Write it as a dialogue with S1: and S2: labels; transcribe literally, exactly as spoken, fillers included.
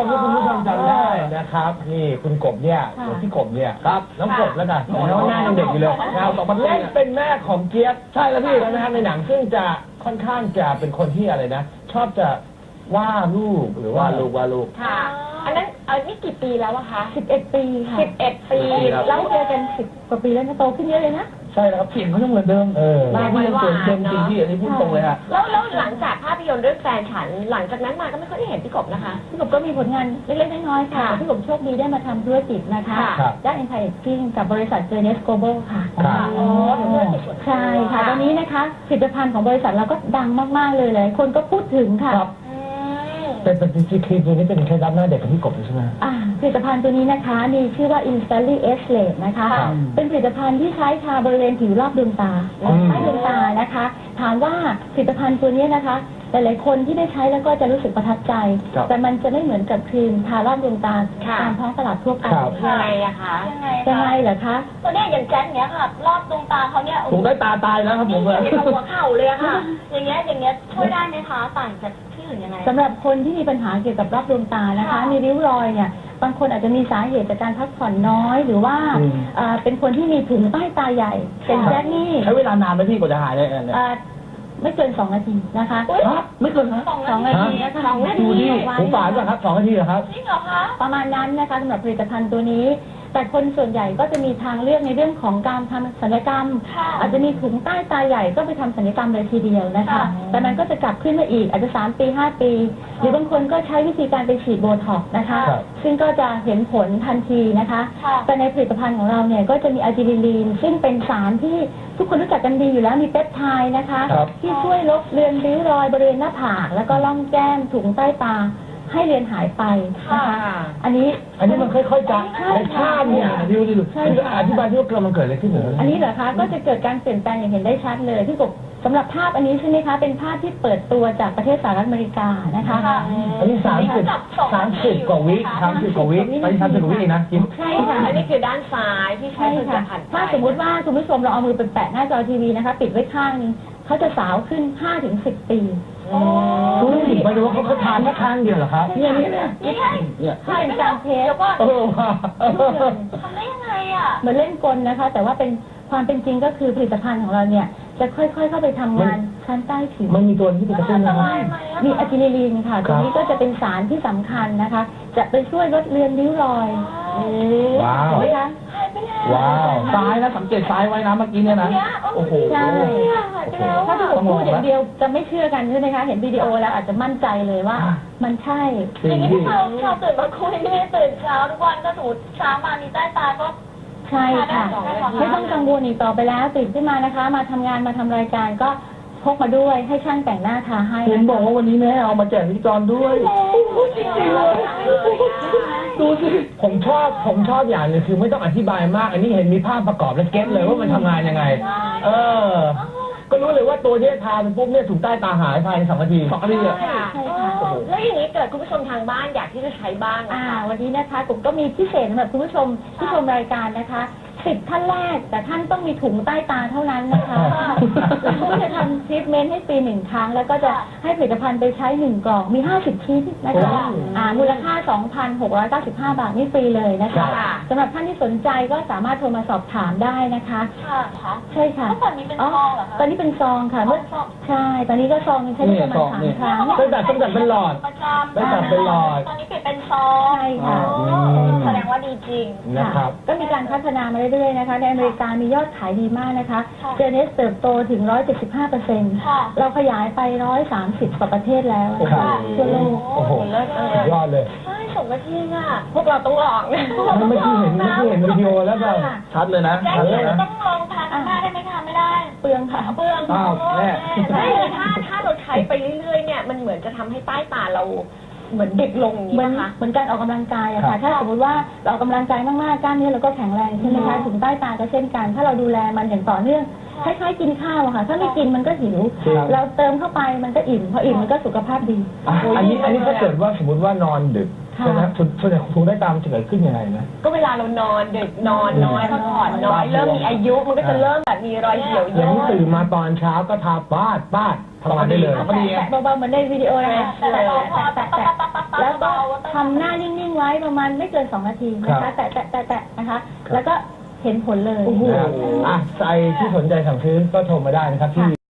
S1: มที่คุณผู้ชมจำได้นะครับนี่คุณกบเนี่ยพี่กบเนี่ยครับน้องกบแล้วกันน้องหน้ายังเด็กอยู่เลยเราสองคนเล่นเป็นแม่ของเจี๊ยบใช่แล้วพี่นะครับในหนังซึ่งจะค่อนข้างจะเป็นคนที่อะไรนะชอบจะว่าลูกหรือว่าลูกว่าลูก
S2: ค่ะอันนั้นอันนี้กี่ปีแล้วอะคะ
S3: สิบเอ็ด ปีค่ะ
S2: สิบเอ็ด ปี
S3: แล้วเจอกันสิบกว่าปีแล้วนะโตขึ้นเยอะเลยนะ
S1: ใช่แล้วครับเสียงเขายังเหมือนเดิมเออหน้าที่ยังเติมเต็มจริงที่อันนี้พูดตรงเลยฮะ
S2: แล้วแล้วหลังจากภาพยนตร์เรื่องแฟนฉันหลังจากนั้นมาก็ไม่ค่อยได้เห็นพี่กบนะคะ
S3: พี่กบก็มีผลงานเล็กๆน้อยๆค่ะพี่กบโชคดีได้มาทำธุรกิจนะคะด้าน Anti-Aging กับบริษัท Journeys Global ค่ะ
S2: อ๋อ
S3: ใช่ค่ะตอนนี้นะคะผลิตภัณฑ์ของบริษัทเราก็ดังมากๆเลยเลยคนก็พูดถึงค่ะ
S1: เป็นเป็นจริงๆครีมตัวนี้เป็นเคล็ดลับหน้าเด็กของพี่กบใช่ไหม
S3: อ่าผลิตภัณฑ์ตัวนี้นะคะมีชื่อว่า Instantly Age Late นะคะเป็นผลิตภัณฑ์ที่ใช้ทาบริเวณผิวรอบดวงตาใต้ดวงตานะคะถามว่าผลิตภัณฑ์ตัวนี้นะคะหลายๆคนที่ได้ใช้แล้วก็จะรู้สึกประทับใจแต่มันจะไม่เหมือนกับครีมทารอบดวงตาตามท้องตลาดทั่วไป
S2: ยังไงอะคะ
S3: ยังไงเหรอคะ
S2: ตัวนี้อย่างแจ็คเนี้ยค่ะรอบดวงตาเขาเนี่ย
S1: ผมได้ตาตายแล้วครับผมเลย
S2: หัวเข่าเลยค่ะอย่างเงี้ยอย่างเงี้ยช่วยได้ไหมคะต่างจากที่อื่นยังไง
S3: สำหรับคนที่มีปัญหาเกี่ยวกับรอบดวงตานะคะมีริ้วรอยเนี่ยบางคนอาจจะมีสาเหตุจากการพักผ่อนน้อยหรือว่าเป็นคนที่มีถุงใต้ตาใหญ่เป็นแจ็คนี่
S1: ใช้เวลานานไหมพี่กว่าจะหายได้เนี่ย
S3: ไม่เกินสองนาทีนะคะ
S1: ไม่เกิน
S3: สองนาทีนะคะสองนาที
S1: ผมฝานป่ะครับสองนาทีเหรอครับ
S2: จริงเหรอคะ
S3: ประมาณนั้นนะคะสำหรับผลิตภัณฑ์ตัวนี้แต่คนส่วนใหญ่ก็จะมีทางเลือกในเรื่องของการทำศัลยกรรมอาจจะมีถุงใต้ตาใหญ่ก็ไปทำศัลยกรรมเลยทีเดียวนะคะแต่มันก็จะกลับขึ้นมาอีกอาจจะสามปีห้าปีหรือบางคนก็ใช้วิธีการไปฉีดโบท็อกซ์นะคะซึ่งก็จะเห็นผลทันทีนะคะแต่ในผลิตภัณฑ์ของเราเนี่ยก็จะมีอะจิลิลีนซึ่งเป็นสารที่ทุกคนรู้จักกันดีอยู่แล้วมีเปปไทด์นะคะที่ช่วยลบเลือนริ้วรอยบริเวณหน้าผากแล้วก็ร่องแก้มถุงใต้ตาให้เรียนหายไปนะคะอันนี้
S1: อันนี้มันค่อยๆจะในภาพเนี่ยดิวดิวอธิบายที่ว่าเกิดมันเกิดอะไรขึ้นเหรอ
S3: อันนี้เหรอคะก็จะเกิดการเปลี่ยนแปลงอย่างเห็นได้ชัดเลยที่กบสำหรับภาพอันนี้ใช่ไหมคะเป็นภาพที่เปิดตัวจากประเทศสหรัฐอเมริกานะคะ
S1: อันนี้สามสิบสามสิบกว่าวิสามสิบกว่าวิไปสามสิบกว่าวินะ
S3: ใช่ค่ะ
S2: อันนี้คือด้านซ้ายที่ใช้ผลิตภัณฑ์
S3: ถ้าสมมติว่าคุณผู้ชมเราเอามือไปแปะหน้าจอทีวีนะคะปิดไว้ข้างนึงเขาจะสาวขึ้น ห้าถึงสิบ ปี
S1: รู้ไหมไม่รู้ว่าเขาเขาทานแค่ข้างเดียวเหรอครับ
S3: เนี่ยเนี่ยเนี่ยเนี่ยเป็นการเทส
S1: เออ
S2: ทำได้ยังไงอ่ะ
S3: เหมือนเล่นกลนะคะแต่ว่าเป็นความเป็นจริงก็คือผลิตภัณฑ์ของเราเนี่ยจะค่อยๆเข้าไปทำงานชั้นใต้ผิว
S1: มันมีตัวที่เป็นกระตุ้นนะ
S3: มีอะจิลิลีนค่ะตัวนี้ก็จะเป็นสารที่สำคัญนะคะจะไปช่วยลดเลือนริ้วรอย
S1: ว้าวว้าวซ้ายนะสังเกตซ้ายไว้นะเมื่อกี้เนี่ยนะโอ้โห
S3: ใช่ถ้าที่ผมพูดอย่างเดียวจะไม่เชื่อกันใช่ไหมคะเห็นวิดีโอแล้วอาจจะมั่นใจเลยว่ามันใช่
S2: อย่างนี้ที่เราเราตื่นมาคุยไม่ได้ตื่นเช้าทุกวันก็สูดเช้ามามีใต้ตาก็
S3: ใช่ค่ะไม่ต้องกังวลอีกต่อไปแล้วตื่นขึ้นมานะคะมาทำงานมาทำรายการก็พกมาด้วยให้ช่างแต่งหน้าทาให้
S1: เห็นบอกว่าวันนี้แม่เอามาแจกพิธีกรด้วยดูสิผมชอบผมชอบอย่างนึงคือไม่ต้องอธิบายมากอันนี้เห็นมีภาพประกอบและเก็ตเลยว่ามันทำงานยังไงเออก็รู้เลยว่าตัวที่ทาเป็นปุ๊บเนี่ยถุงใต้ตาหายภายในสองนาทีสองนาที
S2: อ่ะใช่ค่ะแล้วอย่างนี้เกิดคุณผู้ชมทางบ้านอยากที่จะใช้บ้าง
S3: นะคะวันนี้นะคะผมก็มีพิเศษสำหรับคุณผู้ชมที่ชมรายการนะคะสิบท่านแรกแต่ท่านต้องมีถุงใต้ตาเท่านั้นนะคะเราก็จะทำทรีทเมนต์ให้ฟรีหนึ่งครั้งแล้วก็จะให้ผลิตภัณฑ์ไปใช้หนึ่งกล่องมีห้าสิบชิ้นนะคะอ่ามูลค่า สองพันหกร้อยเก้าสิบห้า บาทนี่ฟรีเลยนะคะสำหรับท่านที่สนใจก็สามารถโทรมาสอบถามได้นะคะ
S2: ค่ะ
S3: ใช่ค่ะ
S2: ตอนนี้เป็นซองเหรอคะ
S3: ตอนนี้เป็นซองค่ะเมื่อใช่ตอนนี้ก็ซองใช้ได้ประมาณสามครั้ง
S1: ตั้งแต่ตั้งแต่เป็นหลอดตั้งแต่เป็นหลอด
S2: ตอนนี้เปลี่ยนเป็นซอง
S3: ใช่ค่ะ
S2: แสดงว่าดีจริง
S1: นะครับ
S3: ก็มีการพัฒนามาเรื่อยๆนะคะในอเมริกามียอดขายดีมากนะคะเจเนสเติบโตถึง หนึ่งร้อยเจ็ดสิบห้าเปอร์เซ็นต์ เราขยายไปหนึ่งร้อยสามสิบกว่าประเทศแล้วทั่วโลก
S1: โอ้โหยอดเลย
S2: ใช่สมกับที่อ่ะพวกเราต้องลอง
S1: เมื่อกี้เห็นเมื่อกี้เห็นวิดีโอแล้วก็ชัดเลยนะ
S2: ชัดเลยนะต้องลองทานหน้าได้ไหมคะไม่ได้
S3: เปลืองค่ะ
S2: เปลือง
S1: อ้าวแม่
S2: ถ้าถ้าเราใช้ไปเรื่อยๆเนี่ยมันเหมือนจะทำให้ใต้ตาเราเหมือนเด็กลง
S3: เหมือนเหมือนการออกกำลังกายอะค่ะถ้าสมมติว่าเราออกกำลังกายมากๆกล้ามเนื้อเราก็แข็งแรงใช่ไหมคะถึงใต้ตาก็เช่นกันถ้าเราดูแลมันอย่างต่อเนื่องคล้ายๆกินข้าวอะค่ะถ้าไม่กินมันก็หิวเราเติมเข้าไปมันก็อิ่มพออิ่มมันก็สุขภาพดี
S1: อันนี้อันนี้ถ้าเกิดว่าสมมติว่านอนดึกนะส่วนใหญ่คงได้ตามจะเกิดขึ้นยังไงนะ
S2: ก็เวลาเรานอนดึกนอนน้อยพักผ่อนน้อยเริ่มมีอายุมันก็จะเริ่มแบบมีรอยเหี่ยว
S1: ย่างนี้ตื่นมาตอนเช้าก็ทาบ้าดบ้าดทำงานได้เลย
S3: เบาๆเหมือนในวิดีโอนะคะแตะแตะแตะแล้วก็ทำหน้านิ่งๆไว้ประมาณไม่เกินสองนาทีนะ
S1: ครั
S3: คะ
S1: บ
S3: แตะแตะแตะแตะนะคะ แล้วก็เห็นผลเลย
S1: นะครับอ่ะใครที่สนใจสั่งซื้อก็โทรมาได้นะครับที่